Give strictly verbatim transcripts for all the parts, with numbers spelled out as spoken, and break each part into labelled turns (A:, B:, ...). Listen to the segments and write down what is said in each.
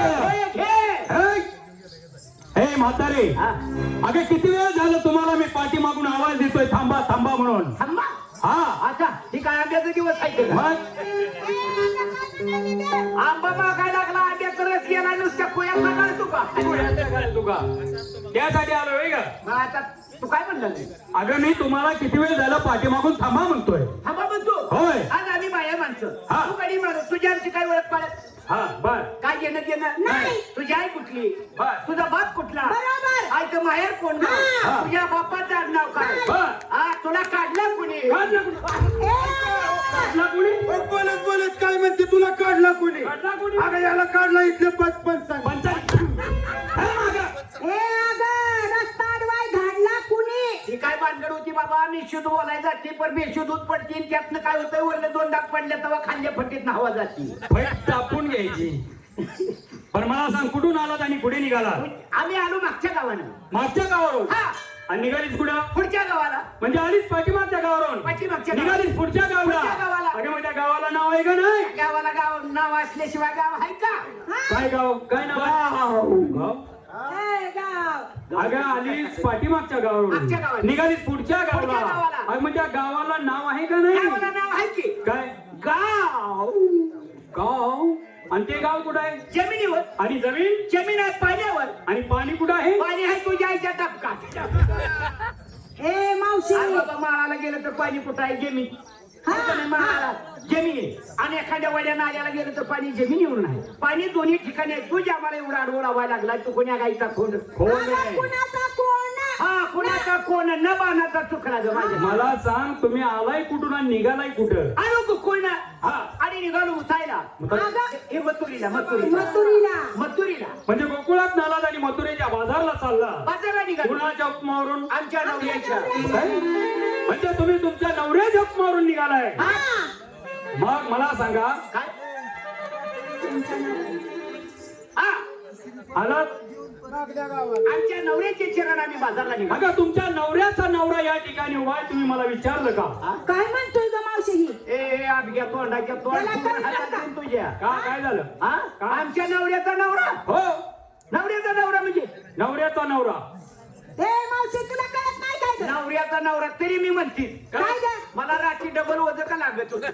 A: हे म्हातारे, अगं किती वेळ झालं तुम्हाला मी पाठीमागून आवाज देतोय थांबा थांबा म्हणून.
B: थांबा.
A: हा
B: अच्छा ठीक आहे. आंब्याचा दिवस आहे का?
A: मग
B: आंबा मागाय लागला, आंब्याचा रस गेला, नुसत्या कोया मागाय तू का?
A: तुका त्यासाठी आलोय का?
B: मग आता तू काय म्हणला?
A: अगं मी तुम्हाला किती वेळ झालं पाठीमागून थांबा म्हणतोय.
B: थांबा म्हणतो.
A: होय.
B: आज आम्ही बाया माणसं,
A: हा.
B: तू कधी माणूस, तुझी आमची काय ओळख पाळत?
A: हा बर.
B: काय घेणं देणं
C: नाही.
B: तुझी आई कुठली?
A: बर.
B: तुझा बाप कुठला?
C: बरोबर.
B: आईचं माहेर कोण?
C: हा.
B: तुझ्या बापाचं आडनाव काय?
A: बर.
B: हा, तुला काढलं कोणी?
A: काढला कुणी? काढला कुणी?
D: बोलत बोलत काय म्हणते, तुला काढला कोणी?
A: काढला कुणी?
D: अगं याला काढला इथले पचपन सांग.
A: पंचायत. हे मागं.
C: ए अगं रस्ता अडवाय धाडला कुणी?
B: ही काय भानगड होती बाबा? मी शुद्ध बोलायला जाते पण बेशुद्ध दूध पडतील. त्यातनं काय होतंय, वरले दोन डाग पडले तेव्हा खाल्ल्या फटीत हवा जाती.
A: फैट टापून घ्यायची. पण मला सांग कुठून आलात आणि कुठे निघाला?
B: आम्ही आलो मागच्या गावानं.
A: मागच्या गावावरून?
B: हा.
A: आणि निघालीच कुठं?
B: पुढच्या गावाला.
A: म्हणजे आलीच पाठीमागच्या गावावरून?
B: पाठीमागच्या
A: निघालीच पुढच्या गावाला?
B: पुढच्या गावाला.
A: अगं मग त्या गावाला नाव आहे का नाही?
B: गावाला गाव नाव असल्याशिवाय गाव आहे का?
A: काय गाव? काय नाव आहे? गाव?
C: ए गाव.
A: अगं आलीच पाठीमागच्या
B: मागच्या
A: गावावरून,
B: गावाला.
A: निघालीच पुढच्या
B: पुढच्या
A: गावाला.
B: गावाला.
A: अगं मग त्या गावाला नाव आहे का नाही?
B: गावाला नाव आहे की?
A: काय
B: गाव.
A: गाव? आणि ते गाव कुठं आहे?
B: जमिनीवर.
A: आणि जमीन?
B: जमीन आहे पाण्यावर.
A: आणि पाणी कुठं आहे?
B: पाणी आहे तुझ्या आईच्या टपकात.
C: ए मावशी.
B: आज बाबा माळाला गेलं तर पाणी कुठं आहे? जमीन.
C: हा,
B: कुठं नाही माळाला? जमीन आहे. आणि एखाद्या वड्या नाल्याला गेलं तर पाणी जमिनीवरून आहे. पाणी दोन्ही ठिकाणी आहे. तुझ्या मला एवढा अडवळ व्हायला लागला, तू कोण्या गाईचा खोड?
A: खोड
C: अगं
A: नाही.
C: कुणाचा कोण?
B: हा, कुणाचा कोण? न बाणाचा चुकला ग माझ्या.
A: मला सांग तुम्ही आलाय कुठून आणि निघालाय कुठं?
B: आलो तू कोण?
A: हा.
B: आणि निघालो उठायला.
C: अगं
B: हे मथुरीला. मथुरीला.
C: मथुरीला.
B: मथुरीला.
A: म्हणजे गोकुळात नालात आणि मथुरेच्या बाजारला चालला?
B: बाजारला निघालो.
A: कुणाच्या उपमावरून?
B: आमच्या नवऱ्याच्या.
A: काय? म्हणजे तुम्ही तुमच्या नवऱ्याच्या उपमावरून निघालाय?
B: हा.
A: मग मला सांगा
B: काय? हा.
A: आलात?
B: आमच्या नवऱ्याचे चरण आम्ही बाजारला निघालो.
A: अगं तुमच्या नवऱ्याचा नवरा या ठिकाणी उभा आहे, तुम्ही मला विचारलं का?
C: काय म्हणतोय ग मावशी ही?
B: ए ए, अभ्या तोंडाच्या तोंड
C: त्याला
B: पूर्ण
C: काय
B: हातात
C: करता?
B: देऊन तुझ्या.
A: का काय झालं?
B: हा? आमच्या नवऱ्याचा नवरा.
A: हो,
B: नवऱ्याचा नवरा म्हणजे
A: नवऱ्याचा नवरा.
C: ए मावशी तुला कळत नाही काय ग?
B: नवऱ्याचा नवरा तरी मी म्हणते.
C: काय ग?
B: मला रात्री डबल वज का लागत होत?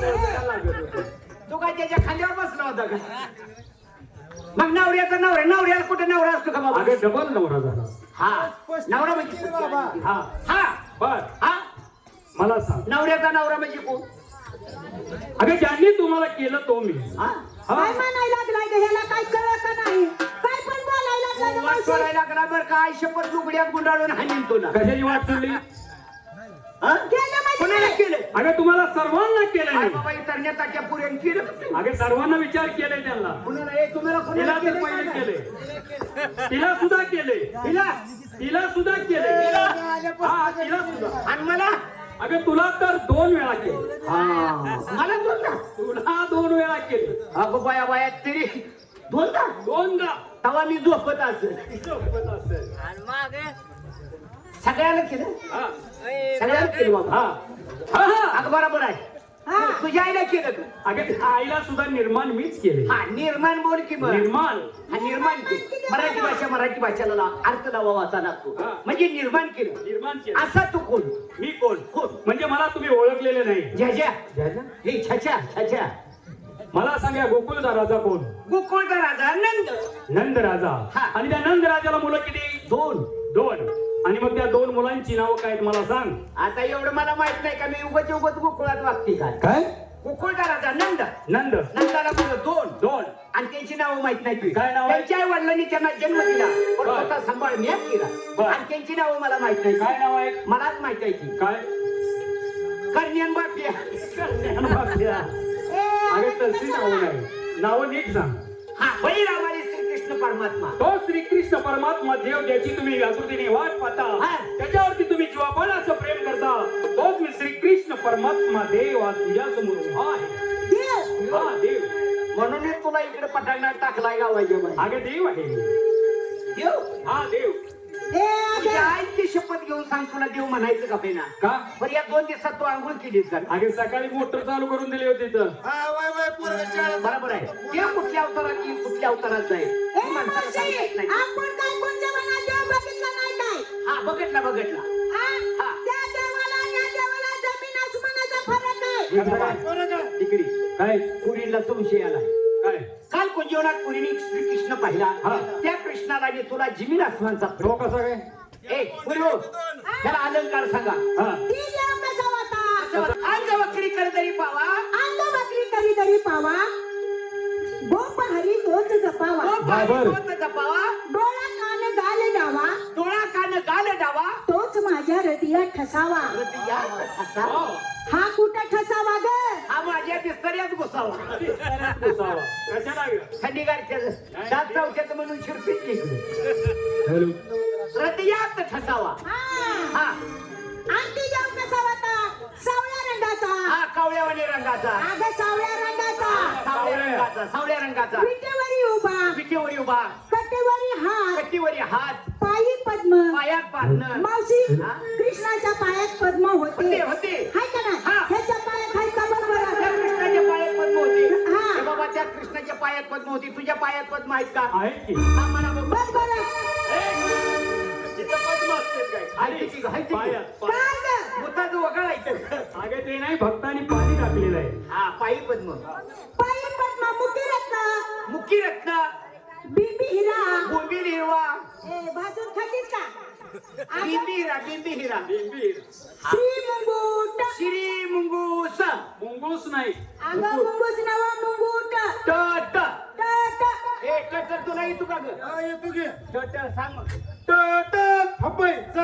B: तू काय त्याच्या खांद्यावर बसला होता का? मग नवऱ्याचा नवरा. नवऱ्याला कुठे नवरा असतो का बाबा?
A: अगं डबल नवरा झाला.
B: हा. नवरा म्हणजे कोण?
A: हा
B: हा.
A: बर.
B: हा.
A: मला सांग
B: नवऱ्याचा नवरा म्हणजे कोण?
A: अगं ज्यांनी तुम्हाला केलं तो मी.
B: हा.
A: हा.
C: काय म्हणायला लागलाय ग? ह्याला काय कळत का नाही? काय पण बोलायला लागलाय ग
B: वाट
C: मावशी?
B: सोडायला लागला बरं का? आई शपथ लुगड्यात गुंडाळून हाणीन तुला.
A: कशाची वाट सोडली?
B: हा?
C: केलं म्हणजे
B: कोणाला
C: काय?
B: केलं?
A: अगं तुम्हाला सर्वांना केलं
B: आई
A: नाही.
B: बाबा इतरण्या ताट्या पुऱ्यान केलं का ते?
A: अगं सर्वांना विचार केले त्यांना.
B: कुणाला? ए, तुम्हाला
A: तिला
B: कुणाला
A: तर
B: केलं
A: पहिले
B: काय?
A: केले, तिला सुद्धा केले,
B: हिला?
A: तिला सुद्धा केले. हा तिला सुद्धा.
B: आणि मला?
A: अगं तुला तर दोन वेळा केले.
B: मला दोनदा?
A: तुला दोन वेळा केले.
B: अगं बाया बाया तरी दोनदा?
A: दोनदा.
B: तेव्हा मी झोपत असेल.
A: झोपत असेल.
B: सगळ्याला केलं?
A: हा.
B: सगळ्याला केलं बाबा.
A: हा. हा, हा.
B: अगं बरोबर आहे.
C: हा.
B: तुझ्या आईला केलं का?
A: अगं आईला सुद्धा निर्माण मीच केले.
B: हा, निर्माण बोल की मग.
A: निर्माण.
B: हा, निर्माण केलं. मराठी भाषा मराठी भाषेला ला- अर्थ लावा वाचा लागतो.
A: हा.
B: म्हणजे निर्माण केलं.
A: निर्माण केलं.
B: असा तू कोण?
A: मी कोण?
B: कोण?
A: म्हणजे मला तुम्ही ओळखलेले नाही.
B: झ्याझ्या.
A: ज्याच्या?
B: हे छाछा छाछा.
A: मला सांगा गोकुळचा राजा कोण?
B: गोकुळचा राजा नंद.
A: नंद राजा.
B: हा.
A: आणि त्या नंद राजाला मुलं किती?
B: दोन.
A: दोन. आणि मग त्या दोन मुलांची नावं काय आहेत मला सांग.
B: आता एवढं मला माहित नाही का मी उगत उगत गोकुळात वागते काय?
A: काय?
B: गोकुळचा राजा नंद.
A: नंद.
B: नंदाला मुलं दोन.
A: दोन.
B: आणि त्यांची नावं माहित नाही तुझी.
A: काय नाव आहे?
B: त्यांच्या आई वडिलांनी त्यांना जन्म दिला पण
A: बर.
B: स्वतः सांभाळ मी केला.
A: बर.
B: आणि त्यांची नावं मला माहित नाही.
A: काय नाव आहे?
B: मलाच माहित आहे की
A: काय?
B: कर्ण्यन बापिया.
C: ए
A: अगं तशी नावं नाही, नावं नीट सांग.
B: हा, बळीरामाने श्रीकृष्ण परमात्मा.
A: तो श्रीकृष्ण परमात्मा देव ज्याची तुम्ही व्याकृतीने वाट पाहता,
B: हा.
A: त्याच्यावरती तुम्ही जीवापाड असं प्रेम करता, तोच मी श्रीकृष्ण परमात्मा देव आज तुझ्या समोर उभा आहे.
C: देव.
A: हा देव.
B: म्हणूनच तुला इकडे पटांगणात टाकलाय गावाच्या बाहेर.
A: अगं देव आहे.
B: देव.
A: हा देव.
B: तुझ्या आईची शपथ घेऊन सांग तुला देव म्हणायचं का बेना
A: का
B: बरं या दोन दिवसात तू आंघोळ केलीस का
A: अगे सकाळी मोटर चालू करून दिली होती तर
D: हा वय वय पोरगं शाळेत
B: बरोबर आहे देव कुठल्या अवतारात येईल कुठल्या अवतारात जाईल
C: ए,
B: ही माणसाला
C: मावशी,
B: सांगता येत नाही.
C: आपण काय कोणत्या मनात देव बघितला नाही काय
B: हा बघितला बघितला
C: हा?
B: हा.
C: त्या देवाला आणि या देवाला जमीन आसमानाचा फरक आहे
D: पोरगं
B: तिकडे
A: काय
B: पुरीला संशय आला
A: काय
B: काल कुंजीवनात पुरीने श्रीकृष्ण पाहिला
A: हा.
B: त्या कृष्णाला आणि तुला जमीन आसमानचा
A: तो कसा काय
B: ए पुरी हो त्याला अलंकार सांगा
A: हा
C: ती देव कसा होता
B: अंग वक्री कर तरी पावा
C: अंग बकरी करी तरी पावा गोप हरी तोच जपावा
B: तो पाणी
A: बरोबर.
B: तोच जपावा
C: डोळा कान गाल डावा
B: डोळा कान गाल डावा
C: तोच माझ्या हृदयात ठसावा
B: हृदया ठसा.
C: हा कुठं ठसावा ग
B: हा माझ्या बिस्तऱ्यात घुसावा
A: घुसावा. कशाला ग?
B: थंडीगारच्या दात चौक्यात म्हणून शिरपीत घेतली
A: हॅलो
B: हृदयात ठसावा
C: हा
B: हा
C: आणि ती देव कसा होता सावळ्या रंगाचा
B: हा कावळ्यावाणी रंगाचा
C: अग सावळ्या रंगाचा
B: सावळ्या रंगाचा सावळ्या रंगाचा
C: विटेवरी उभा
B: विटेवरी उभा
C: कटेवरी हात
B: कट्टीवरी हात
C: पायी पद्म
B: पायात पारणं
C: मावशी
B: हा?
C: कृष्णाच्या पायात पद्म होते
B: होते होते
C: हाय का नाही
B: हा.
C: ह्याच्या पायात हाय का बघ
B: त्या
C: बरं
B: कृष्णाच्या पायात पद्म होती
C: हा.
B: हे बाबा त्या कृष्णाच्या पायात पद्म होती तुझ्या पायात पद्म आहेत का
A: आहे की
B: हा, मला बघ.
C: बघ बरं
A: तिथं पद्म असते काय
B: आहे की, आहे की.
A: पायात पायात.
C: काय ग
B: भूताचं वगळायचं
A: अगे ते नाही भक्तांनी पाणी टाकलेलं आहे
B: हा पायी पद्म
C: पायी पद्म मुकी रत्न
B: मुखी रत्न
C: बिंबी हिरा
B: बोंबील हिरवा
C: ए भाजून खातीस का अगं,
B: बिंबी हिरा बिंबी हिरा
A: बिंबीर
C: श्री मुंगूट
B: श्री मुंगूस
A: मुंगूस नाही
C: अगं मुंगूस नवा मुंगूट
B: ट ट
C: ट ट
B: ए ट ट तुला येतो का ग
D: हा, येतो की
B: ट ट सांग मग
D: ट ट हपय जा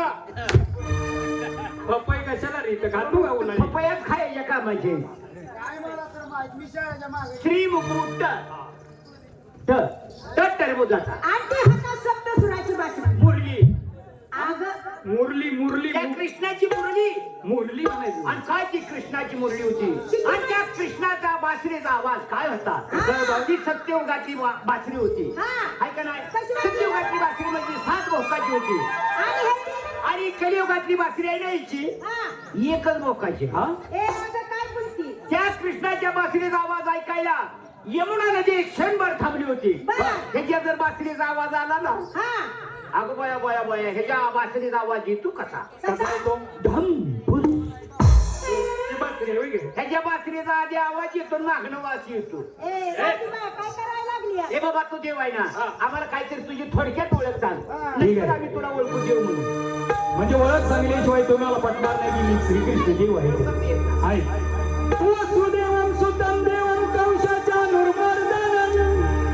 A: पपई कशाला रे इथं खातो का उन्हाळी
B: पपयात खायच्या का म्हणजे
D: काय मला तर माहित मी शाळेच्या मागे
B: श्री मुकुट ट ट टरबुजाचा
C: आणि ती हातात सप्त सुराची बासरी
B: मुरली
C: अगं
A: मुरली मुरली
B: त्या कृष्णाची मुरली
A: मुरली म्हणायची
B: आणि काय ती कृष्णाची मुरली होती आणि त्या कृष्णाचा बासरीचा आवाज काय होता
C: हा.
B: ती सत्ययुगातली वा- बासरी होती
C: हा.
B: आहे का नाही
C: कशी बासरी?
B: सत्ययुगातली बासरी म्हणजे सात भोकाची होती
C: आणि ह्याची
B: आणि कलियुगातली बासरी आहे ना हिची
C: हा
B: एकच भोकाची
A: हा
C: ए अगं काय बोलती
B: त्या कृष्णाच्या बासरीचा आवाज ऐकायला यमुना नदी क्षणभर थांबली होती
C: बरं.
B: ह्याच्या जर बासरीचा आवाज आला ना
C: हा
B: अगं बया बया बया ह्याच्या बासरीचा आवाज येतो कसा
A: कसा येतो
B: धम भुस.
A: ती बासरी आहे, होय की?
B: ह्याच्या बासरीचा आधी आवाज येतो मागणं वास येतो
C: ए राजूबाई, काय करायला लागली आहे?
B: हे बाबा तू देव आहे ना आम्हाला काहीतरी तुझी थोडक्यात ओळख सांग
A: ठीक
B: नंतर
A: आहे.
B: आम्ही तुला ओळखू देऊ म्हणून
A: म्हणजे ओळख सांगल्याशिवाय तुम्हाला पटणार नाही की मी श्रीकृष्ण देव आहे आहे वसुदेवं सुतं देवं कंसाच्या नुर्मर्दनं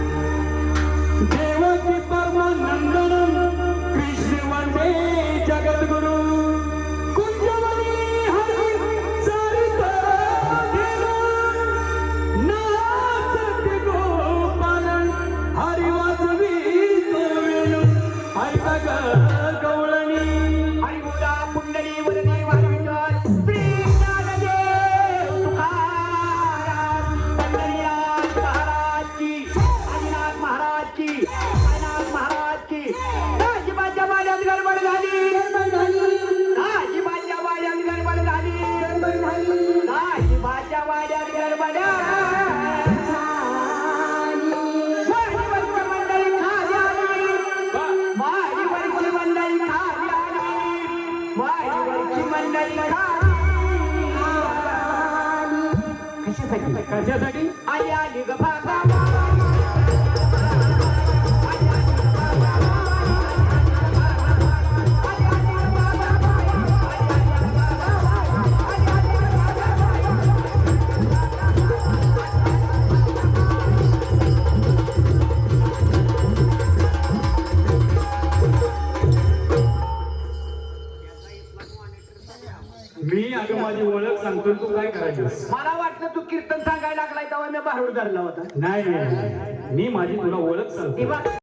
A: देवकी परमानंदनं कृष्ण वंदे जगद्गुरु कुंजवनी हरी सारिता नाचते गोपाल हरी वाजवीते वेणू ऐका ग गवळणी
B: हरी बोला कुंडली वरदी वारविठ्ठल श्री ज्ञानदेव तुकाराम पंढरीनाथ महाराज की आदिनाथ महाराज की साईनाथ महाराज की दाजीबाच्या वाड्यात गडबड झाली दाजीबाच्या वाड्यात गडबड झाली दाजीबाच्या वाड्यात गडबड वाडीवरची मंडळी खाली आली वाडीवरची मंडळी खाली आली वाडीवरची मंडळी खाली कशासाठी
A: कशासाठी
B: आई आली ग भागा
A: मी अगं माझी ओळख सांगतो तू काय करायचं
B: मला वाटलं तू कीर्तन सांगायला लागलाय तेव्हा मी बाहेर धरला होता
A: नाही नाही, नाही मी माझी तुला ओळख सांगतो
B: तेव्हा